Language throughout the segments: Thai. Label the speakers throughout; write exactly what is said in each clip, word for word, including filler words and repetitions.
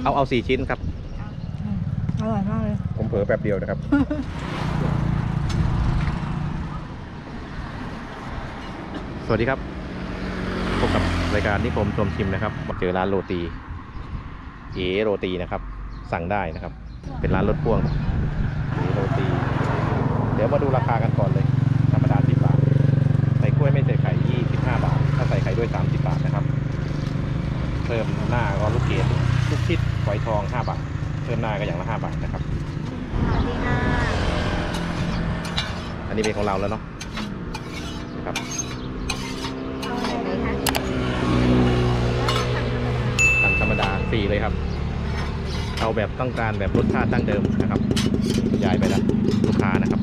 Speaker 1: เอาเอาสี่ชิ้นครับ
Speaker 2: อร่อยมากเลย
Speaker 1: ผมเผลอแป๊บเดียวนะครับ สวัสดีครับพบกับรายการนิคมชมชิมนะครับมาเจอร้านโรตีเอโรตีนะครับสั่งได้นะครับเป็นร้านรถพ่วงเอโรตีเดี๋ยวมาดูราคากันก่อนเลยธรรมดาสิบบาทใส่กล้วยไม่ใส่ไข่ยี่สิบห้าบาทถ้าใส่ไข่ด้วยสามสิบบาทนะครับเพิ่มหน้าก็ลูกเกดลูกชิดฝอยทองห้าบาทเพิ่มหน้าก็อย่างละห้าบาทนะครับ
Speaker 2: สวัสดีค่ะ
Speaker 1: อันนี้เป็นของเราแล้วเนาะนะครับสั่งธรรมดาสี่เลยครับเอาแบบต้องการแบบรสชาติดั้งเดิมนะครับยายไปแล้วลูกค้านะครับ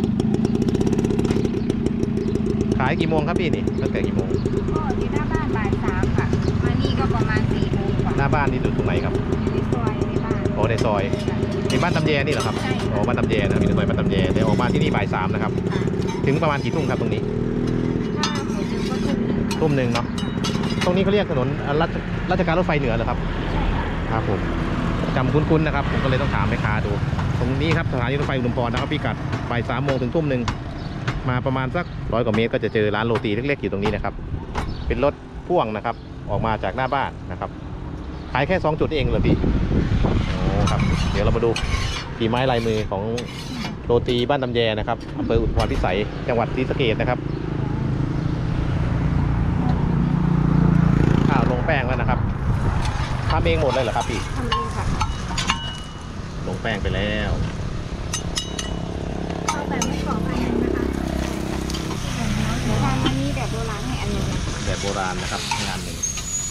Speaker 1: ขายกี่โมงครับพี่นี่ตั้งแต่กี่โมง
Speaker 2: ก็ที่หน้าบ้านบ่ายสามค่ะมานี่ก็ประมาณสี่โมงกว่า
Speaker 1: หน้าบ้านนี่อยู่ตรงไหนครับ
Speaker 2: ในซอยในบ้าน
Speaker 1: โอ้ในซอยในบ้านตำแยนี่เหรอครับ
Speaker 2: ใช่
Speaker 1: อ๋อบ้านตำแยนะมีในซอยบ้านตำแยเดี๋ยวออกมาที่นี่บ่ายสามนะครับถึงประมาณกี่ทุ่มครับตรงนี้
Speaker 2: ถ้าหมูดึงก็ทุ่มหนึ่ง
Speaker 1: ทุ่มหนึ่งเนาะตรงนี้เขาเรียกถนนราชราชการรถไฟเหนือเหรอครับครับผมจำคุ้นๆนะครับผมก็เลยต้องถามแม่ค้าดูตรงนี้ครับสถานีรถไฟอุดมพรนะครับพิกัดบ่ายสามโมงถึงทุ่มหนึ่งมาประมาณสักร้อยกว่าเมตรก็จะเจอร้านโรตีเล็กๆอยู่ตรงนี้นะครับเป็นรถพ่วงนะครับออกมาจากหน้าบ้านนะครับขายแค่สองจุดเองเหรอพี่โอ้ครับเดี๋ยวเรามาดูฝีไม้ลายมือของโรตีบ้านตำแยนะครับอำเภออุทุมพรพิสัยจังหวัดศรีสะเกษนะครับอ้าวลงแป้งแล้วนะครับทำเองหมดเลยเหรอครับพี่
Speaker 2: ทำเองค่ะ
Speaker 1: ลงแป้งไปแล้ว
Speaker 2: เอาแบบไม่กรอบอันนึงนะคะหมูทานอันนี้แบบโบราณให้อันนึง
Speaker 1: แบบโบราณนะครับงานหนึ่ง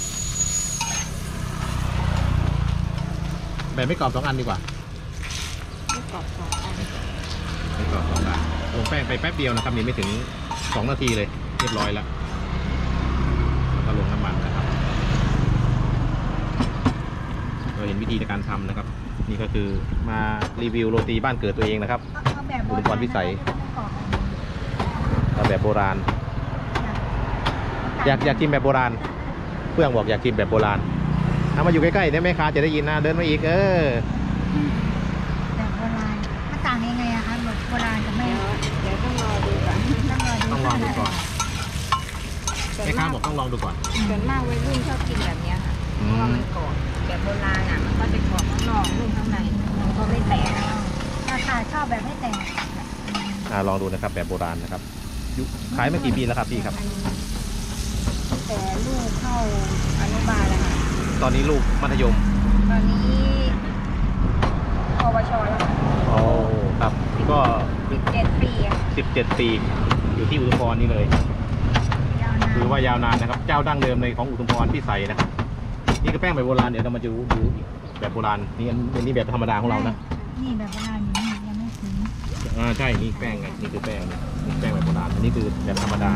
Speaker 1: แบบไม่กรอบสองอันดีกว่า
Speaker 2: ไม่กรอบสองอัน
Speaker 1: ไม่กรอบสองอันลงแป้งไปแป๊บเดียวนะครับนี่ไม่ถึงสองนาทีเลยเรียบร้อยแล้วแล้วก็ลงน้ำมันนะครับเราเห็นวิธีในการทำนะครับนี่ก็คือมารีวิวโรตีบ้านเกิดตัวเองนะครับอุดมพรพิสัยเอาแบบโบราณอยากอยากกินแบบโบราณเพื่อนบอกอยากกินแบบโบราณเอามาอยู่ใกล้ๆเนี่ยแม่ค้าจะได้ยินนะเดินมาอีกเออ
Speaker 2: แบบโบราณมันต่างยังไงอะคะแบบโบราณกับไม่เดี๋ยวต้องรอดูก่อน
Speaker 1: ต้องรอดูก่อนแม่ค้าบอกต้องลองดูก่อน
Speaker 2: ส่วนมากวัยรุ่นชอบกินแบบนี้ค่ะเพราะว่ามันกรอบแบบโบราณอ่ะมันก็จะกรอบข้างนอกนุ่มข้างในมันก็ไม่แตกราคาชอบแบบไม่แตก
Speaker 1: อ่าลองดูนะครับแบบโบราณนะครับขายมากี่ปีแล้วครับพี่ครับ
Speaker 2: แต่ลูกเข้าอนุบาลแล้วค่ะ
Speaker 1: ตอนนี้ลูกมัธยม
Speaker 2: ตอนนี้ปวชแล้ว
Speaker 1: โอ้ครับก็
Speaker 2: สิบเจ็ดปี
Speaker 1: สิบเจ็ดปีอยู่ที่อุทุมพรนี่เลยคือว่ายาวนานนะครับเจ้าดั้งเดิมในของอุทุมพรพิสัยนะครับนี่ก็แป้งแบบโบราณเดี๋ยวเรามาดูดูแบบโบราณนี่อันนี้แบบธรรมดาของเรานะ
Speaker 2: นี่แบบโบราณอยู่นี่ยังไม่ถึง
Speaker 1: อ่าใช่นี่แป้งไงนี่คือแป้งนี่แป้งแบบโบราณอันนี้คือแบบธรรมดา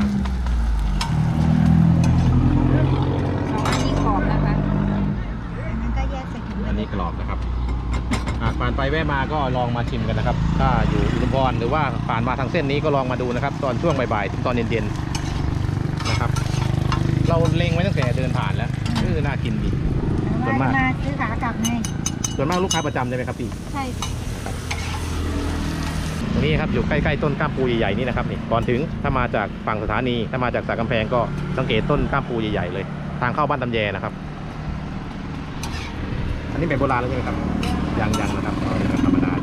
Speaker 2: สองอันนี้กรอบนะคะอันนั้นก็แยกใส่ถุง
Speaker 1: อันนี้กรอบนะครับผ่านไปแวะมาก็ลองมาชิมกันนะครับถ้าอยู่อุดมพรหรือว่าผ่านมาทางเส้นนี้ก็ลองมาดูนะครับตอนช่วงบ่ายๆถึงตอนเย็นๆนะครับเราเล็งไว้ตั้งแต่เดินผ่านแล้วคือน่ากินดี
Speaker 2: ส่วนมากมาซื้อขากลับไง
Speaker 1: ส่วนมากลูกค้าประจำใช่ไหมครับพี่
Speaker 2: ใช่
Speaker 1: ตรงนี้ครับอยู่ใกล้ๆต้นก้ามปูใหญ่ๆนี่นะครับนี่ก่อนถึงถ้ามาจากฝั่งสถานีถ้ามาจากสระกำแพงก็สังเกตต้นก้ามปูใหญ่ๆเลยทางเข้าบ้านตำแยนะครับอันนี้แบบโบราณแล้วใช่ไหมครับยังยังนะครับเอาแบบธรรมดา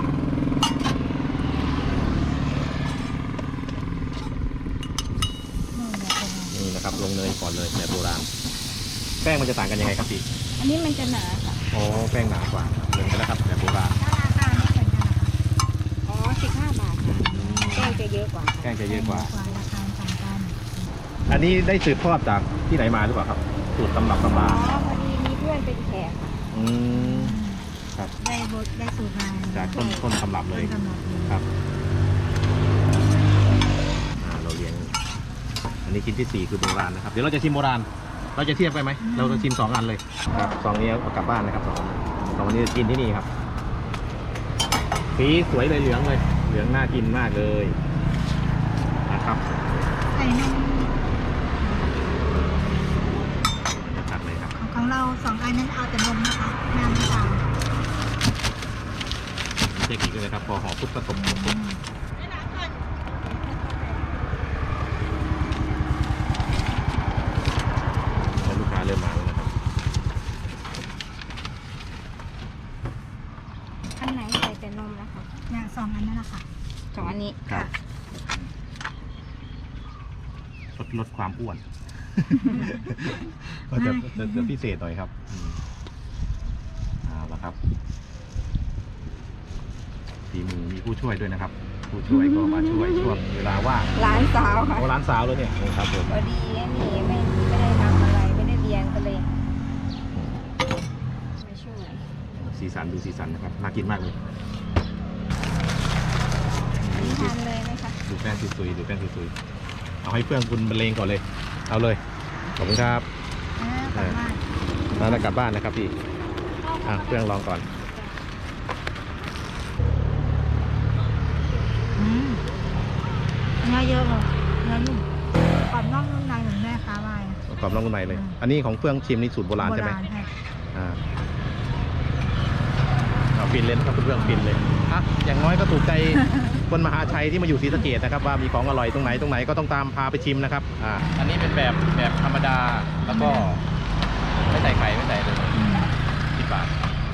Speaker 1: นี่นะครับลงเนยก่อนเลยแบบโบราณแป้งมันจะต่างกันยังไงครับพี่
Speaker 2: อันนี้มันจะหนาค่ะ
Speaker 1: อ๋อแป้งหนากว่าเดินไปแล้วครับแบบโบราณ
Speaker 2: ราคาไม่เหมือนกันอ๋อสิบห้าบาทค่ะแป้งจะเยอะกว่า
Speaker 1: แป้งจะเยอะกว่า
Speaker 2: ราคาต่างกัน
Speaker 1: อันนี้ได้สืบทอดจากที่ไหนมาหรือเปล่าครับสูตรตำรับตำรา
Speaker 2: อ๋อพอดีมีเพื่อนเป็นแขก
Speaker 1: อืมครับ
Speaker 2: ได้บทได้สูตรมา
Speaker 1: จากต้นต้นตำรับเลยครับเราเรียนอันนี้ชิ้นที่สี่คือโบราณนะครับเดี๋ยวเราจะชิมโบราณเราจะเทียบไปไหมเราจะชิมสองอันเลยครับสองนี้เอากลับบ้านนะครับสองสองอันนี้จะกินที่นี่ครับสีสวยเลยเหลืองเลยเหลืองน่ากินมากเลยนะครับ
Speaker 2: ใส่นม
Speaker 1: นะครับเลยครับ
Speaker 2: ของเราสองอันนั้นเอาแต่นมนะคะน้ำตาล
Speaker 1: เทคนิคเลยนะครับพอห่อปุ๊บก็ตบปุ๊บปุ๊บลูกค้าเริ่มมาแล้วนะครับ
Speaker 2: อันไหนใส่แต่นมนะคะ
Speaker 3: เนี่ยสองอันนั่นแหละค่ะ
Speaker 2: สองอันนี้
Speaker 1: ครับลดลดความอ้วน ก็จะจะจะพิเศษหน่อยครับอืมเอาละครับฝีมือมีผู้ช่วยด้วยนะครับ ผู้ช่วยก็มาช่วยช่วงเวลาว่าง
Speaker 2: ร้านสาวค่ะ
Speaker 1: โอ้ร้านสาวแล้วเนี่ยโอ้ครับผม
Speaker 2: พอดีไอ้นี่ไม่ไม่ได้ทำอะไรไม่ได้เรียนก็เลยมาช่วย
Speaker 1: สีสันดูสีสันนะครับน่ากินมากเลย
Speaker 2: อันนี้ทานเลยไหมคะ
Speaker 1: ดูแป้งซุยๆดูแป้งซุยๆเอาให้เพื่อนคุณบรรเลงก่อนเลย เอาเลยขอบคุณครับ
Speaker 3: อ่ากลับบ้าน
Speaker 1: แล้วจะกลับบ้านนะครับพี่อ่ะเพื่อนลองก่อน
Speaker 3: อืมเนื้อเยอะเลยเนื้อนุ่มกรอบนอกนุ่มในเหมือนแม่ค้าว่าอะ
Speaker 1: กรอบนอกนุ่มในเลย
Speaker 3: อืม
Speaker 1: อันนี้ของเฟื่องชิมนี่สูตรโบราณใช่ไหม
Speaker 3: โบใช่
Speaker 1: อ่าเอาฟินเลยนะครับคุณเฟื่องฟินเลยอ่ะอย่างน้อยก็ถูกใจ คนมหาชัยที่มาอยู่ศรีสะเกษนะครับว่ามีของอร่อยตรงไหนตรงไหนก็ต้องตามพาไปชิมนะครับอ่าอันนี้เป็นแบบแบบธรรมดาแล้วก็ไม่ใส่ไข่ไม่ใส่เลยสิบบาท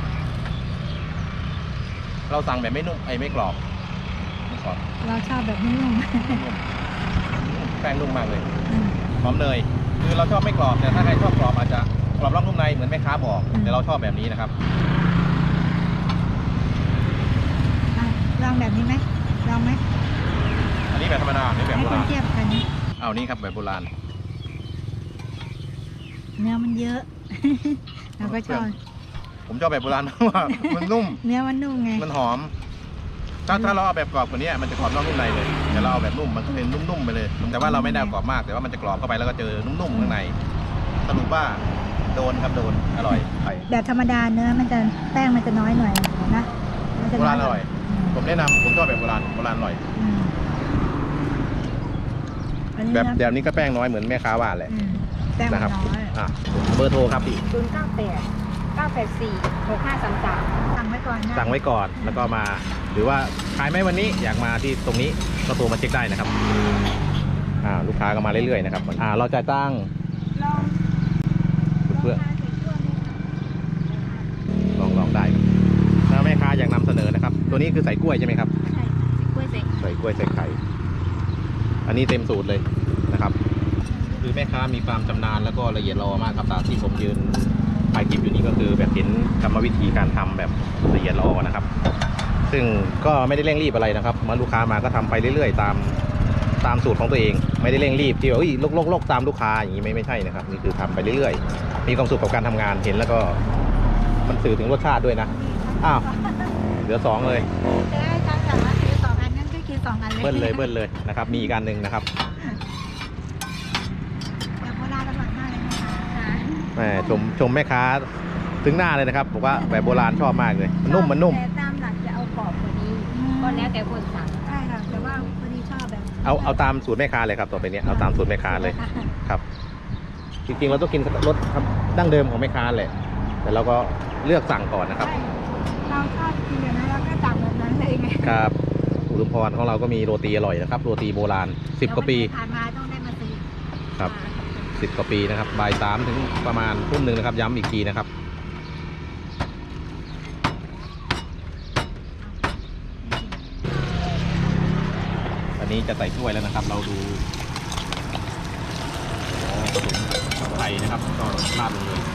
Speaker 1: เราสั่งแบบไม่นุ่มไอ้ไม่กรอบไม่กรอบ
Speaker 3: เราชอบแบบนุ่ม
Speaker 1: นุ่มแป้งนุ่มมากเลย
Speaker 3: ๆอืม
Speaker 1: หอมเนยคือเราชอบไม่กรอบแต่ถ้าใครชอบกรอบอาจจะกรอบนอกนุ่มในเหมือนแม่ค้าบอก
Speaker 3: อืม
Speaker 1: แต่เราชอบแบบนี้นะครับ
Speaker 3: อ่ะลองแบบนี้ไหมลองไหม
Speaker 1: อันนี้แบบธรรมดาอันนี้แบบ
Speaker 3: ให้
Speaker 1: โบ
Speaker 3: คน
Speaker 1: ราณ
Speaker 3: เทียบกันนี้
Speaker 1: เอานี่ครับแบบโบราณ
Speaker 3: เนื้อมันเยอะ เราก็ชอบ
Speaker 1: ผมชอบแบบโบราณ เพราะว่ามันนุ่ม
Speaker 3: เนื้อมันนุ่มไง
Speaker 1: มันหอม ถ้าถ้าเราเอาแบบกรอบกว่านี้มันจะกรอบนอกนุ่มในเลยแต่เราเอาแบบนุ่มมันก็เป็นนุ่มๆไปเลย แต่ว่าเราไม่ได้เอากรอบมากแต่ว่ามันจะกรอบเข้าไปแล้วก็เจอนุ่มๆข้างในสรุปว่าโดนครับโดนอร่อยไป
Speaker 3: แบบธรรมดาเนื้อมันจะแป้งมันจะน้อยหน่อยนะมันจะ
Speaker 1: โบ
Speaker 3: น้
Speaker 1: รา
Speaker 3: อ
Speaker 1: ณ
Speaker 3: ย
Speaker 1: อร่อย ผมแนะนำผมชอบแบบโบราณโบราณอร่อย
Speaker 3: อืมอันนี้
Speaker 1: แบบ
Speaker 3: นะ
Speaker 1: แบบนี้ก็แป้งน้อยเหมือนแม่ค้าว่าแหละ
Speaker 3: อืมแป้งมั
Speaker 1: นะ
Speaker 3: น
Speaker 1: ครับ
Speaker 3: น้อย
Speaker 1: อ่ะเบอร์โทรครับพี่
Speaker 2: ศูนย์เก้าแปดเก้าแปดสี่หกห้าสามสาม
Speaker 3: สั่งไว้ก่อนนะ
Speaker 1: สั่งไว้ก่อนแล้วก็มา หรือว่าขายไหมวันนี้อยากมาที่ตรงนี้ก็โทรมาเช็คได้นะครับอ่าลูกค้าก็มาเรื่อยๆนะครับอ่าเราจะตั้ง
Speaker 2: ลอง
Speaker 1: เพื่อ
Speaker 2: ลองทานใส่ถ้วยไหมคะ
Speaker 1: ลองลองได้ครับถ้าแม่ค้าอยากนำเสนอนะครับ ตัวนี้คือใส่กล้วยใช่ไหมครับ
Speaker 2: ใช่กล้วยใส่
Speaker 1: ใส่กล้วยใส่ไข่อันนี้เต็มสูตรเลยนะครับ คือแม่ค้ามีความชำนาญแล้วก็ละเอียดรอมากครับตามที่ผมยืนถ่ายคลิปอยู่นี้ก็คือแบบเห็นกรรมวิธีการทำแบบละเอียดรอนะครับ ซึ่งก็ไม่ได้เร่งรีบอะไรนะครับมาลูกค้ามาก็ทำไปเรื่อยๆ ตามตามสูตรของตัวเอง ไม่ได้เร่งรีบที่ว่าเอ้ยลกลกลกตามลูกค้าอย่างนี้ไม่ไม่ใช่นะครับนี่คือทำไปเรื่อยๆ มีความสุขกับการทำงานเห็นแล้วก็มันสื่อถึงรสชาติด้วยนะอ้าวเหลือสองเลย
Speaker 3: เอ้ยจังแบบว่าซื้อสองอันนั้นก็คือสองอันเลย
Speaker 1: เบิ้ลเลยเบิ้ลเลยนะครับมีอีกอันหนึ่งนะครับ
Speaker 3: แบบโบราณอร่อยมากเลยนะคะ
Speaker 2: ค่ะ
Speaker 1: แหมชมชมแม่ค้าถึงหน้าเลยนะครับบอกว่าแบบโบราณชอบมากเลยมันนุ่มมันนุ่ม
Speaker 2: แต่ตามหลักจะเอากรอบกว่านี้ก็แล้วแต่คนสั่ง
Speaker 3: ใช่ค่ะแต่ว่าพอดีชอบแบบ
Speaker 1: เอาเอาตามสูตรแม่ค้าเลยครับต่อไปเนี้ยเอาตามสูตรแม่ค้าเลยครับ จริงๆเราต้องกินรสดั้งเดิมของแม่ค้าแหละแต่เราก็เลือกสั่งก่อนนะครับ
Speaker 3: ใช่เราชอบกินแบบนั้นเราก็สั่งแบบนั้นเลยไง
Speaker 1: ครับอุดมพรของเราก็มีโรตีอร่อยนะครับโรตีโบราณสิบกว่าปี
Speaker 3: ผ่านมาต้องได้มาซื้อ
Speaker 1: ครับสิบกว่าปีนะครับบ่ายสามถึงประมาณทุ่มหนึ่งนะครับย้ำอีกทีนะครับ อันนี้จะใส่ถ้วยแล้วนะครับ เราดูอ๋อผสมไข่นะครับก็ราดลงเลย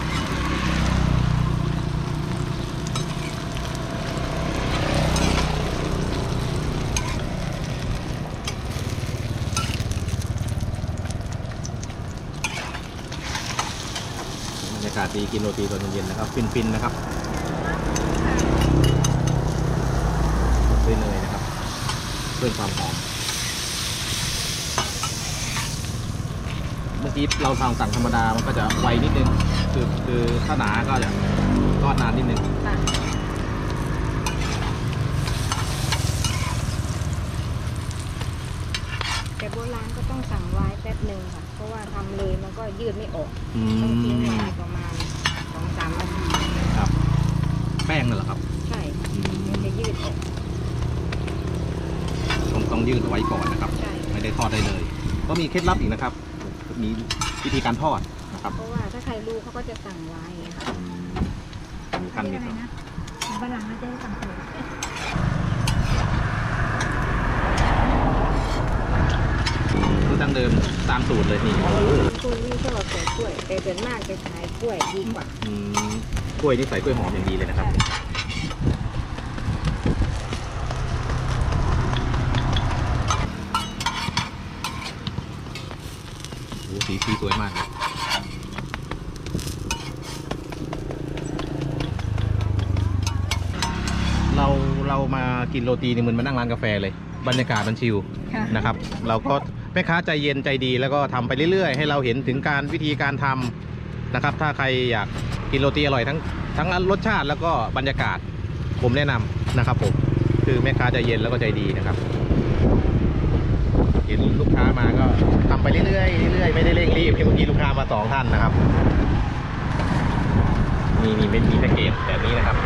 Speaker 1: บรรยากาศดีกินโรตีตอนเย็นๆนะครับฟินๆนะครับด้วยเนยนะครับเพิ่มความหอมเมื่อกี้เราทำสั่งธรรมดามันก็จะไวนิดนึงคือคือถ้าหนาก็จะทอดนานนิดนึง
Speaker 2: ค่ะแต่โบราณก็ต้องสั่งไว้แป๊บหนึ่งค่ะ เพราะว่าทำเลยมันก็ยืดไม่ออก
Speaker 1: อื
Speaker 2: ต้องทิ้ง
Speaker 1: ม
Speaker 2: ไว้ประมาณสองสามนาที
Speaker 1: ครับ แป้งนั่นเหรอครับ
Speaker 2: ใช่
Speaker 1: อืม
Speaker 2: มันจะยืดออก
Speaker 1: ยืดเอาไว้ก่อนนะครับ
Speaker 2: ใช่
Speaker 1: ไม่ได้ทอดได้เลย ก็มีเคล็ดลับอีกนะครับ มีวิธีการทอดนะครับ
Speaker 2: เพราะว่าถ้าใครรู้เขาก็จะสั่งไว้ค่ะ
Speaker 1: อืมมีขั้นมี
Speaker 3: อะไร
Speaker 1: ตอน
Speaker 3: นะฝรั่งเขาจะให้สั่งเสริม
Speaker 1: คือดั้งเดิมตามสูตรเลยนี่
Speaker 2: คุณนี่ชอบใส่กล้วยแต่ส่วนมากจะขายกล้วยดีกว่า
Speaker 1: อืมกล้วยนี่ใส่กล้วยหอมอย่างดีเลยนะครับโอ้สีสีสวยมากเลยเราเรามากินโรตีนี่เหมือนมานั่งร้านกาแฟเลย บรรยากาศมันชิล
Speaker 2: ค่ะ
Speaker 1: นะครับ เราก็แม่ค้าใจเย็นใจดีแล้วก็ทำไปเรื่อยๆ ให้เราเห็นถึงการวิธีการทำนะครับ ถ้าใครอยากกินโรตีอร่อยทั้งทั้งรสชาติแล้วก็บรรยากาศผมแนะนำนะครับผมคือแม่ค้าใจเย็นแล้วก็ใจดีนะครับ เห็นลูกค้ามาก็ทำไปเรื่อยๆเรื่อยๆไม่ได้เร่งรีบเมื่อกี้ลูกค้ามาสองท่านนะครับมีมีไม่มีแพ็กเกจแบบนี้นะครับ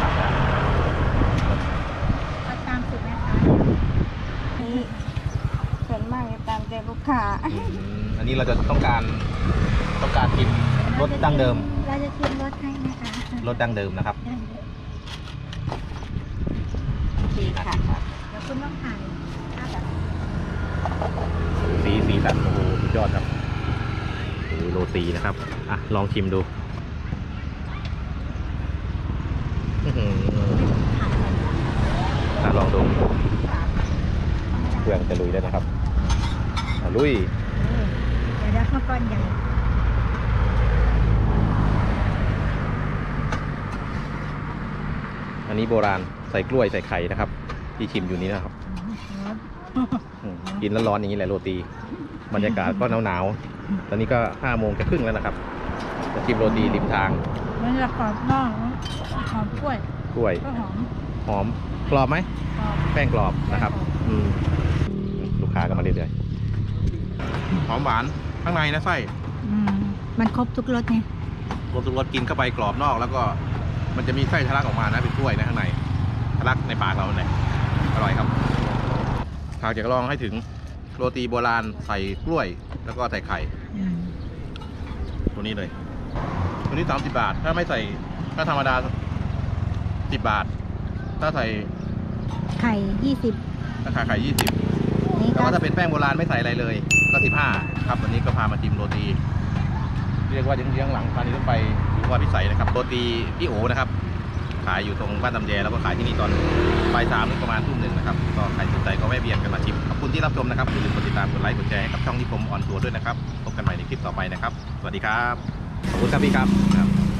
Speaker 3: เอาตามสูตรนะคะ
Speaker 2: นี่ส่วนมากจะตามใจลูกค้า
Speaker 1: อืมอันนี้เราจะต้องการต้องการกินรสดั้งเดิม
Speaker 3: เราจะชิมรสให้นะคะ
Speaker 1: รสดั้งเดิมนะครับ
Speaker 2: ดีค่ะ
Speaker 3: เดี๋ยวคุณต้องถ่ายภาพแบบ
Speaker 1: สีสีสันโอ้โหสุดยอดครับโอ้โหโรตีนะครับอ่ะลองชิมดูอื้อหืออ่ะลองดูเครื่องจะลุยแล้วนะครับอ่ะลุย
Speaker 3: เดี๋ยวเดี๋ยวข้าวก้อนใหญ่
Speaker 1: อันนี้โบราณใส่กล้วยใส่ไข่นะครับ ที่ชิมอยู่นี้นะครับอืมกินแล้วร้อนอย่างนี้แหละโรตี บรรยากาศก็หนาวๆตอนนี้ก็ห้าโมงจะครึ่งแล้วนะครับจะชิมโรตีริมทาง
Speaker 3: มันจะกรอบนอกหอมกล้วย
Speaker 1: กล้วย
Speaker 3: ก็หอม
Speaker 1: หอมกรอบไหม
Speaker 3: กรอบ
Speaker 1: แป้งกรอบนะครับอืมลูกค้าก็มาเรื่อยๆหอมหวานข้างในนะไส้
Speaker 3: อืมมันครบทุกรสไง
Speaker 1: รสทุกรสกินเข้าไปกรอบนอก แล้วก็มันจะมีไส้ทะลักออกมานะเป็นกล้วยนะข้างในทะลักในปากเราเลยอร่อยครับหากอยากลองให้ถึงโรตีโบราณใส่กล้วย แล้วก็ใส่ไข่
Speaker 3: อืม
Speaker 1: ตัวนี้เลย ตัวนี้สามสิบบาท ถ้าไม่ใส่ถ้าธรรมดาสิบบาท ถ้าใส่
Speaker 3: ไข่ยี่สิบ
Speaker 1: ราคาไข่ยี่สิบ
Speaker 3: นี่
Speaker 1: แล้ว
Speaker 3: ก็
Speaker 1: ก็ถ้าเป็นแป้งโบราณไม่ใส่อะไรเลย ก็สิบห้าครับวันนี้ก็พามาชิมโรตี เรียกว่าเยื้องๆหลังสถานีรถไฟหรือว่าพิสัยนะครับโรตีพี่โอนะครับ ขายอยู่ตรงบ้านตำแยแล้วก็ขายที่นี่ตอนบ่ายสามถึงประมาณทุ่มหนึ่งนะครับก็ใครสนใจก็แวะเวียนกันมาชิมขอบคุณที่รับชมนะครับอย่าลืมกดติดตามกดไลค์กดแชร์ให้กับช่องที่ผมออนทัวร์ด้วยนะครับพบกันใหม่ในคลิปต่อไปนะครับ สวัสดีครับขอบคุณครับพี่ครับ